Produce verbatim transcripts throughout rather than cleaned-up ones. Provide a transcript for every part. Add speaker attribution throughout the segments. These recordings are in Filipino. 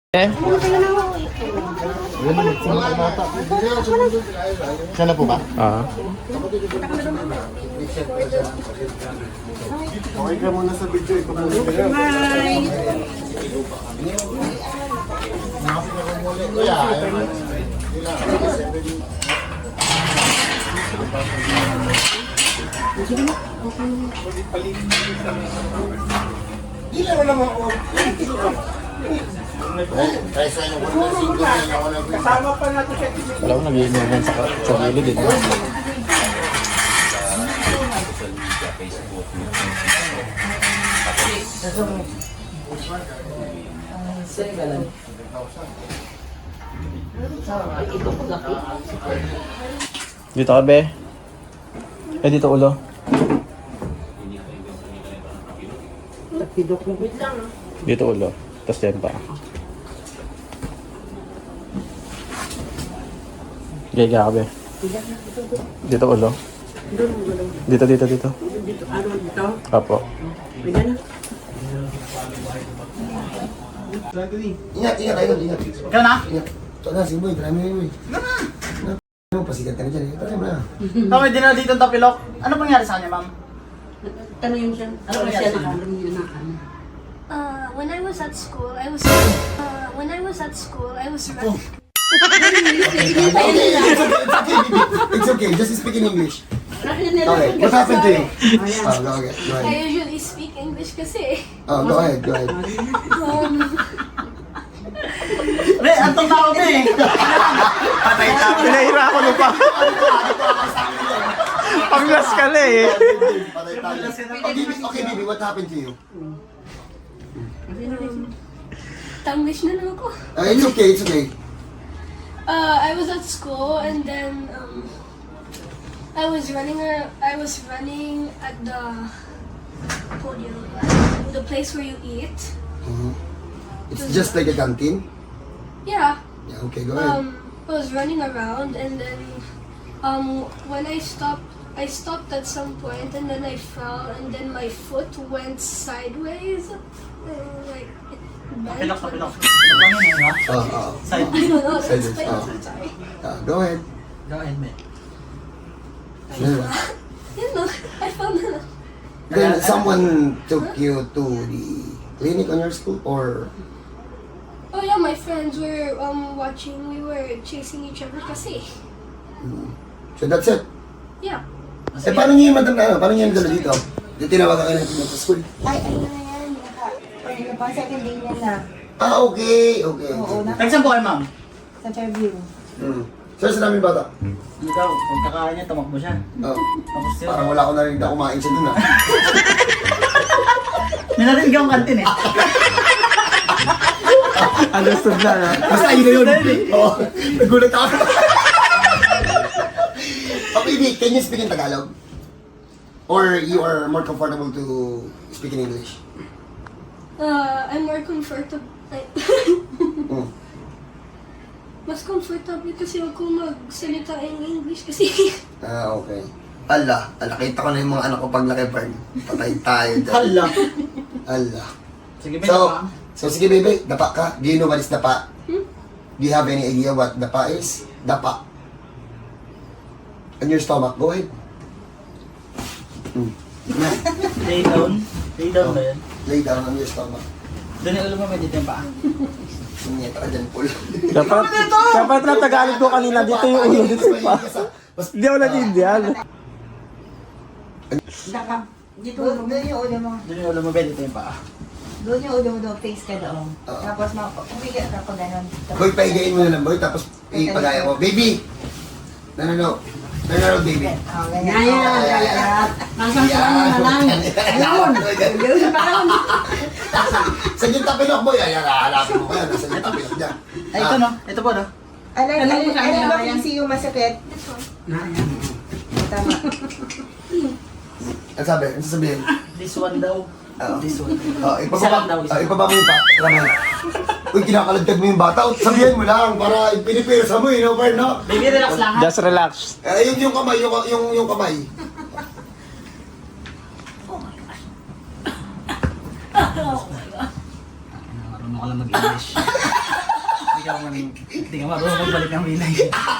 Speaker 1: Eh?
Speaker 2: Siya na po ba?
Speaker 1: Ah.
Speaker 2: Okay ka muna sa video. Ikaw muna sa video. Hindi lang naman ako. Kasama pa natin siya.
Speaker 1: Wala ko nag-iinuman sa, sa gilid din. Dito ka, be? Eh, dito ulo. Dito ulo. Tapos yan pa. Gaya ka, be. Dito ulo. Dito, dito, dito.
Speaker 3: Dito, ano dito?
Speaker 1: Apo.
Speaker 3: May gana.
Speaker 2: Ingat, ingat kayo, ingat.
Speaker 4: Ikaw na?
Speaker 2: Ingat. Ito na, si Boy, marami na yun. Ano, pasikat ka na dyan. Ito na.
Speaker 4: Kami din na dito ang tapilok. Ano pangyari sa kanya, ma'am?
Speaker 3: Tanungin siya. Ano
Speaker 4: Ano
Speaker 3: siya
Speaker 4: nangyari?
Speaker 3: nakalam niya na ano?
Speaker 5: Uh, when I was at school, I was uh, when I was at school, I was
Speaker 2: Okay, it's okay, baby. It's okay, just speak in English. Okay, what happened to you? Oh, go ahead, go
Speaker 5: I
Speaker 2: ahead.
Speaker 5: usually speak English kasi
Speaker 2: Oh, go ahead, go ahead.
Speaker 5: um,
Speaker 4: Be, antong na ako, be. Patay na.
Speaker 1: Pinahira ako nung pa. Panglas ka na eh.
Speaker 2: Patay tayo. Okay, baby, okay, baby, what happened to you?
Speaker 5: Tanglish na lang ako.
Speaker 2: Uh, it's okay, it's okay.
Speaker 5: Uh, I was at school and then um, I was running. A, I was running at the podium, the place where you eat.
Speaker 2: Mhm. It's just like a canteen?
Speaker 5: Yeah.
Speaker 2: Yeah, okay, go ahead.
Speaker 5: Um, I was running around and then um, when I stopped, I stopped at some point and then I fell and then my foot went sideways. And, like it bent.
Speaker 4: Tapilok, tapilok. Ano yun, ha?
Speaker 2: Oh, oh.
Speaker 4: Side.
Speaker 5: I don't know. That's
Speaker 2: Sideways,
Speaker 5: explain.
Speaker 2: oh.
Speaker 5: Sorry.
Speaker 2: Uh, go ahead.
Speaker 4: Go ahead, be.
Speaker 2: Yeah.
Speaker 5: You know, I fell down.
Speaker 2: Then someone took you to the clinic on your school or
Speaker 5: Oh yeah, my friends were um watching. We were chasing each other kasi.
Speaker 2: so that's it.
Speaker 5: Yeah.
Speaker 2: Eh paano niyo yung madam na ano? Paano niyo yung dala dito? Di tinawagan kayo natin sa school.
Speaker 6: Ay, ano na yan? Naka, ano pa, second day niya na.
Speaker 2: Ah, okay, okay.
Speaker 6: Oo,
Speaker 2: okay.
Speaker 6: na,
Speaker 4: Tagsan po kayo, ma'am.
Speaker 6: sa Fairview.
Speaker 2: Hmm. Sir, sa namin bata?
Speaker 4: Ikaw, kung kakain niya, tumakbo siya.
Speaker 2: Oh.
Speaker 4: Tapos yun.
Speaker 2: Parang wala ko narinig na kumain siya dun ah.
Speaker 4: Ninarinig akong kantin eh.
Speaker 1: Understood na, no?
Speaker 2: Basta yun na yun. Oo. Nagulat ako. Okay, Vic, can you speak in Tagalog? Or you are more comfortable to speak in English?
Speaker 5: Uh, I'm more comfortable. Like,
Speaker 2: Hmm.
Speaker 5: mas comfortable kasi ako magsalita in English kasi.
Speaker 2: Ah, okay. Ala, ala, kita ko na yung mga anak ko pag laki-burn. Patay tayo dyan.
Speaker 4: Hala.
Speaker 2: Ala.
Speaker 4: Sige, be,
Speaker 2: So,
Speaker 4: ma'am.
Speaker 2: so sige baby, dapa ka. Do you know what is dapa?
Speaker 5: Hmm?
Speaker 2: Do you have any idea what dapa is? Dapa. On your stomach, go ahead. Hmm.
Speaker 4: Lay down. Lay down ba yan?
Speaker 2: Lay down on your stomach.
Speaker 4: Doon yung ulo mo, may dito yung paa.
Speaker 2: Sumiyeta ka dyan, Paul.
Speaker 1: Dapat, dapat na Tagalog ko kanina. Dito yung ulo, dito yung pa. Hindi ako natindihan.
Speaker 6: Naka, dito, doon yung ulo mo.
Speaker 4: Doon yung ulo mo, be, dito yung paa.
Speaker 6: Doon yung ulo mo doon, face ka doon.
Speaker 2: Oo.
Speaker 6: Tapos, ma- umiga ka pa ganun.
Speaker 2: Boy, paigayin mo na lang, boy. Tapos, ipagaya mo. Baby! No, no, no. No, no, no, baby.
Speaker 6: Oh, ganyan.
Speaker 3: Ganyan,
Speaker 6: Oh,
Speaker 3: ganyan. Masang sa ano na lang.
Speaker 2: Ayun! Sa yung tapilok, boy. Ayan, hahanapin mo kaya. Nasa yung tapilok niya.
Speaker 4: Ay, ito no. Ito po no.
Speaker 6: Alay,
Speaker 3: Alam
Speaker 6: alay,
Speaker 3: mo sa
Speaker 6: alay
Speaker 3: kanya,
Speaker 6: ba
Speaker 3: ayan.
Speaker 6: P C yung masakit?
Speaker 5: This one.
Speaker 6: Tama.
Speaker 2: Ano sabi? Ano sasabihin?
Speaker 4: This one daw.
Speaker 2: Oo.
Speaker 4: This one.
Speaker 2: Oh,
Speaker 4: Isa
Speaker 2: ipababa,
Speaker 4: lang daw, isa.
Speaker 2: oh, ipababa mo yung pa. Ramay. Uy, kinakalagtag mo yung bata. Sabihin mo lang para pinipirsa mo, you know, Bern, no?
Speaker 4: Baby, relax lang ha.
Speaker 1: Just relax.
Speaker 2: Eh, yung, yung kamay, yung, yung, yung kamay.
Speaker 4: Marunong ka lang mag-English. man, hindi ka marunong magbalik ng wilay.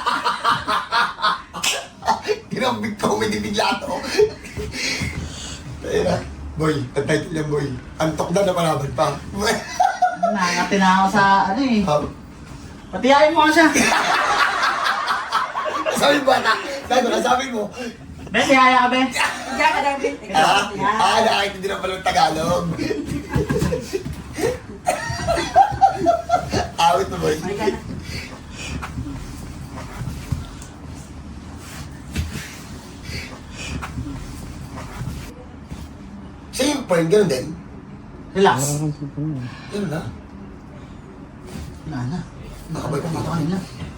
Speaker 2: Ginambig comedy bigla to. Ayun na. Boy, ang title niya, boy. Antok na na palaban pa.
Speaker 4: Nakakati na ako sa ano eh.
Speaker 2: Um,
Speaker 4: Patiyain mo nga siya.
Speaker 2: sabi mo, bata. Sabi mo, sabi mo.
Speaker 4: Be, tiyaya ka, be.
Speaker 3: Diyan ka daw, Ben.
Speaker 2: Ah, ah, nakakaintindi na pala ng Tagalog. Awit mo, boy.
Speaker 3: Ay, ka na.
Speaker 2: Same point, ganun din.
Speaker 4: Relax.
Speaker 2: Yun na.
Speaker 4: Wala na.
Speaker 2: Nakabay pa
Speaker 4: Ito
Speaker 2: dito.
Speaker 4: kanina.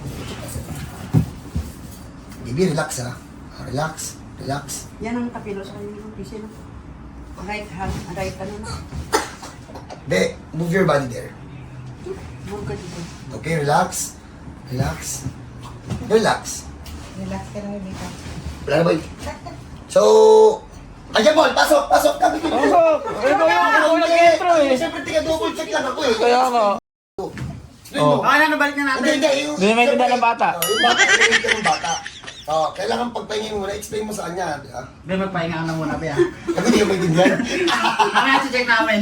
Speaker 2: Baby, relax ha. Ah, Relax, relax.
Speaker 3: Yan ang tapilo sa kanya ng pisil. Right hand, right ano na.
Speaker 2: De, move your body there.
Speaker 3: Burga dito.
Speaker 2: Okay, relax. Relax. Relax.
Speaker 6: Relax ka lang dito.
Speaker 2: Wala na, boy. So, ayan, Paul, pasok, pasok. Kami ko.
Speaker 1: Pasok! Eh, ikaw yung ikaw yung nag-intro eh.
Speaker 2: Siyempre, tiga-double check lang ako eh.
Speaker 1: Kaya nga.
Speaker 2: Oh.
Speaker 4: Okay na, nabalik na
Speaker 2: Hindi,
Speaker 4: natin.
Speaker 2: hindi. Yung,
Speaker 1: Hindi na maintindihan ng bata.
Speaker 2: Oh, yung bata, yung ng bata. Oh, kailangan pagpahingin mo na, explain mo sa kanya. di ba?
Speaker 4: Be, magpahinga ka na muna, be. ah.
Speaker 2: Ako hindi ka maintindihan.
Speaker 4: Mamaya check namin.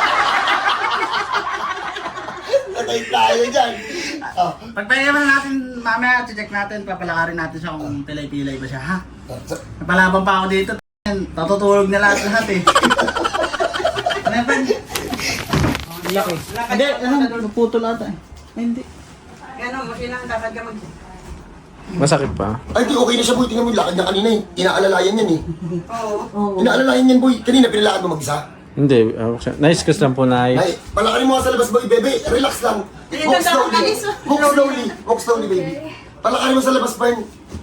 Speaker 2: Natay tayo dyan. Oh.
Speaker 4: Pagpahinga na natin, mamaya check natin, papalakarin natin siya kung pilay-pilay ba siya, ha?
Speaker 2: So,
Speaker 4: Napalaban pa ako dito. Tatutulog na lahat lahat eh. Ano yan, Ben?
Speaker 1: Laki.
Speaker 4: Hindi, ano, naputol ata eh. Hindi.
Speaker 3: Ano, masilang dapat ka mag...
Speaker 1: Masakit pa.
Speaker 2: ay, di okay na siya, boy. Tingnan mo yung lakad niya kanina eh. Inaalalayan yan eh.
Speaker 3: Oo. Oo.
Speaker 2: Inaalalayan yan, boy. Kanina, pinalakad mo mag-isa.
Speaker 1: Hindi. uh, Nice kasi lang po na
Speaker 2: Ay, palakarin mo nga sa labas, boy, bebe. Relax lang. Walk slowly. Walk slowly. Walk slowly, baby. Palakarin mo sa labas, Bern.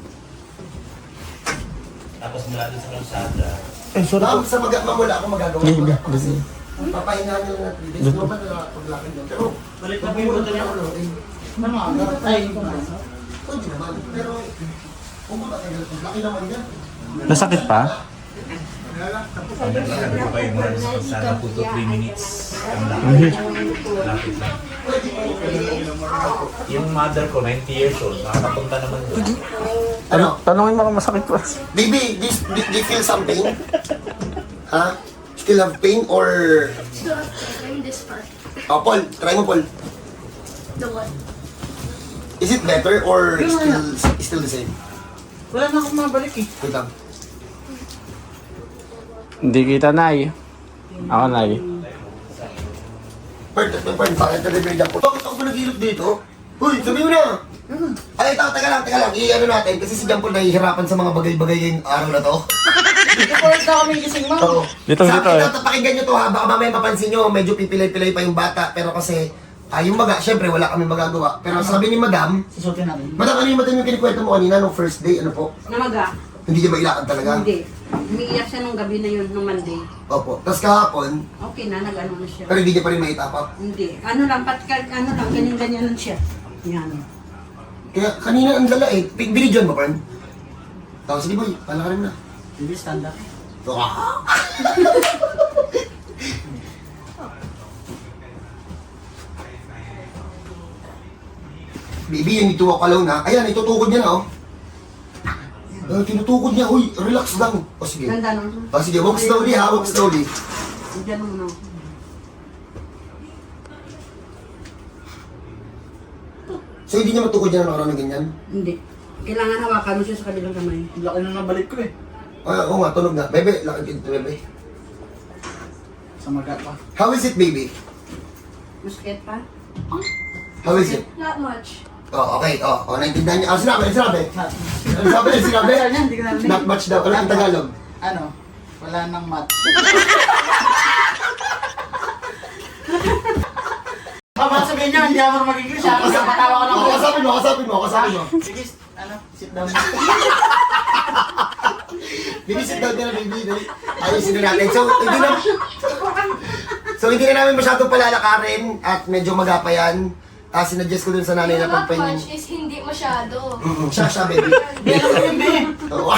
Speaker 7: Tapos mula dun sa kalsada,
Speaker 1: Eh, sorry po.
Speaker 2: Ma'am, sa mag- ma'am, wala akong magagawa.
Speaker 1: Hindi,
Speaker 2: Kasi, papahinga niyo lang na three days. No ba na paglakad niyo? Pero,
Speaker 4: Balik na po yung buto niya.
Speaker 2: ano, eh,
Speaker 4: Ano nga? Ay, ito na.
Speaker 2: pwede naman. Pero, kung ba tayo, laki naman yan.
Speaker 1: Nasakit pa?
Speaker 7: naglakad ko kayo mula sa kalsada po to three minutes. Ang
Speaker 1: Mhm.
Speaker 7: lakad. Lapit lang. Yung mother ko, ninety years old, nakakapunta naman doon.
Speaker 2: Ano?
Speaker 1: Tanungin mo kung masakit pa.
Speaker 2: Baby, do you, do you feel something? Ha? Still have pain or...
Speaker 5: Still have pain in this part.
Speaker 2: Oh, Paul, try mo, Paul.
Speaker 5: The what?
Speaker 2: Is it better or still still the same?
Speaker 4: Wala na akong mabalik eh.
Speaker 2: Wait lang.
Speaker 1: Hindi kita, Nay. Ako, Nay.
Speaker 2: Pern, Pern, bakit na-reveal ako? Bakit ako ba naghihilot dito? Uy, sabi mo na! Ay, ito, teka lang, teka lang. I-ano natin, kasi si Jampol nahihirapan sa mga bagay-bagay ngayong araw na to.
Speaker 4: Dito po na kami gising mo.
Speaker 2: Oo.
Speaker 1: Dito,
Speaker 2: Sa
Speaker 1: dito,
Speaker 2: akin,
Speaker 1: eh.
Speaker 2: ito, pakinggan nyo to ha. Baka mamaya mapansin nyo, medyo pipilay-pilay pa yung bata. Pero kasi, ah, yung maga, syempre wala kami magagawa. Pero sabi ni Madam,
Speaker 4: Susutin natin.
Speaker 2: Madam, ano yung Madam yung kinikwento mo kanina nung first day? Ano po?
Speaker 3: Namaga?
Speaker 2: Hindi niya mailakad talaga?
Speaker 3: Hindi. Umiiyak siya nung gabi na yun, nung Monday.
Speaker 2: Opo. Tapos kahapon,
Speaker 3: Okay na, nag-ano na siya.
Speaker 2: pero hindi niya pa rin maitapap.
Speaker 3: Hindi. Ano lang, patkal, ano lang, ganyan-ganyan lang siya. Yan.
Speaker 2: Kaya kanina ang lala eh. Big binidyon mo, Pern. Tapos sige boy, palakarin mo na.
Speaker 4: Hindi stand up.
Speaker 2: Ah! Baby, you need to walk alone ha. Ayan, itutukod niya na oh. Uh, tinutukod niya, uy, relax lang. O sige.
Speaker 3: Ganda nung.
Speaker 2: O sige, walk slowly ha, walk slowly.
Speaker 3: Diyan mo na.
Speaker 2: So hindi niya matukod niya na nakaraan ng ganyan?
Speaker 3: Hindi. Kailangan hawakan mo siya sa kabilang kamay.
Speaker 4: Laki na nabalik ko eh.
Speaker 2: Ah, oo nga, tunog na. Bebe, lakad dito, bebe.
Speaker 4: Sa maga pa.
Speaker 2: How is it, baby?
Speaker 3: Masakit pa?
Speaker 2: How is it?
Speaker 5: Not much.
Speaker 2: Oh, okay. Oh, oh, naintindihan niya. Ah, sinabi, sinabi. Ano sabi, sinabi?
Speaker 4: Ano yan? Hindi ko narinig.
Speaker 2: Not much daw. Ano ang Tagalog?
Speaker 4: Ano? Wala nang mat. Baka sabihin niya, hindi ako mag-English ha. Kasi matawa ko lang
Speaker 2: Oh,
Speaker 4: po.
Speaker 2: kasapin mo, kasapin mo, kasapin mo.
Speaker 4: Sige, ano? Sit down.
Speaker 2: Baby, sit down ka na, baby. Dali. Ayusin na natin. So, hindi na... So, hindi na namin masyadong palalakarin at medyo magapa yan. Ah, sinuggest ko dun sa nanay na
Speaker 5: Yung not
Speaker 2: pagpahin.
Speaker 5: much is hindi masyado.
Speaker 2: Mm-mm, siya, siya, baby.
Speaker 4: Hindi, alam ko yun, be.
Speaker 2: Oo.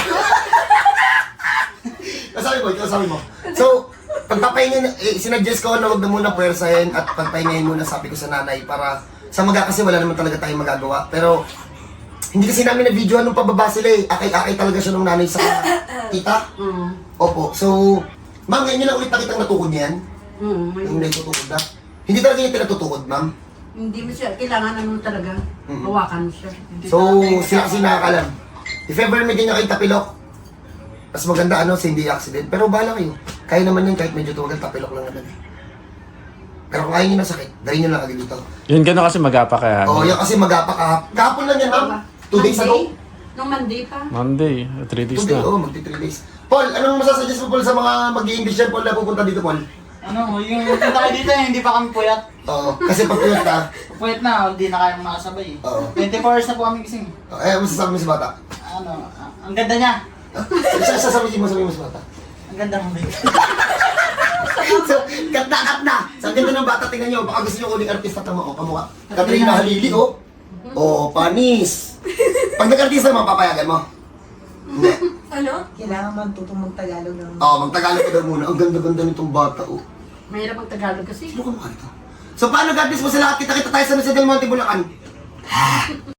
Speaker 2: Kasabi mo, kasabi mo. So, pagpapahingin, eh, sinuggest ko na huwag na muna puwersahin at pagpahingahin muna sabi ko sa nanay para Sa maga kasi wala naman talaga tayong magagawa. Pero, hindi kasi namin na-videoan nung pababa sila eh. Akay-akay talaga siya nung nanay sa tita.
Speaker 3: Mm.
Speaker 2: Opo, so, ma'am, ngayon nyo lang ulit nakitang natutukod niyan.
Speaker 3: Mm.
Speaker 2: Yung natutukod na. Hindi talaga yung tinatutukod, ma'am.
Speaker 3: Hindi mo siya, kailangan ano talaga,
Speaker 2: Mhm.
Speaker 3: hawakan mo siya.
Speaker 2: So, sila kasi nakakalam. If ever may ganyan kayo tapilok, mas maganda ano, sa hindi accident. Pero bahala kayo. Kaya naman yun kahit medyo tuwagal, tapilok lang naman eh. Pero kung kaya nyo na sakit, gawin nyo lang agad dito.
Speaker 1: Yun gano'n kasi mag-apa kaya.
Speaker 2: Oo, oh, yan kasi mag-apa kahap. Kahapon lang yan, ma'am. Two days ago.
Speaker 3: Nung Monday pa.
Speaker 1: Monday, three days
Speaker 2: Two days,
Speaker 1: na.
Speaker 2: oo, oh, magti three days. Paul, anong masasuggest mo, Paul, sa mga mag-i-English yan, Paul, na pupunta dito, Paul?
Speaker 4: Ano, yung punta kayo dito, hindi pa kami puyat.
Speaker 2: Oo, kasi pag tuyot ka,
Speaker 4: Puyat na, hindi na kayang makasabay eh.
Speaker 2: Oo.
Speaker 4: twenty-four hours na po kami gising.
Speaker 2: eh, masasabi mo sa bata.
Speaker 4: Ano, ah, ang ganda niya.
Speaker 2: Isa, isa sabi mo, sabi mo sa bata.
Speaker 4: Ang ganda ng baby.
Speaker 2: So, kat-kat na. Sa ganda ng bata, tingnan nyo, baka gusto nyo kuning artista tama, o, kamukha. Katrina Halili, o. O, panis. Pag nag-artista naman, papayagan mo. Hindi.
Speaker 5: Ano?
Speaker 6: Kailangan magtutong mag-Tagalog ng...
Speaker 2: Oo, magtagalog ka daw muna. Ang ganda-ganda nitong bata, o.
Speaker 3: Mahirap ang Tagalog kasi.
Speaker 2: Sino ka mukha nito? So, paano, God bless mo sa lahat? Kita-kita tayo sa Mesa del Monte, Bulacan.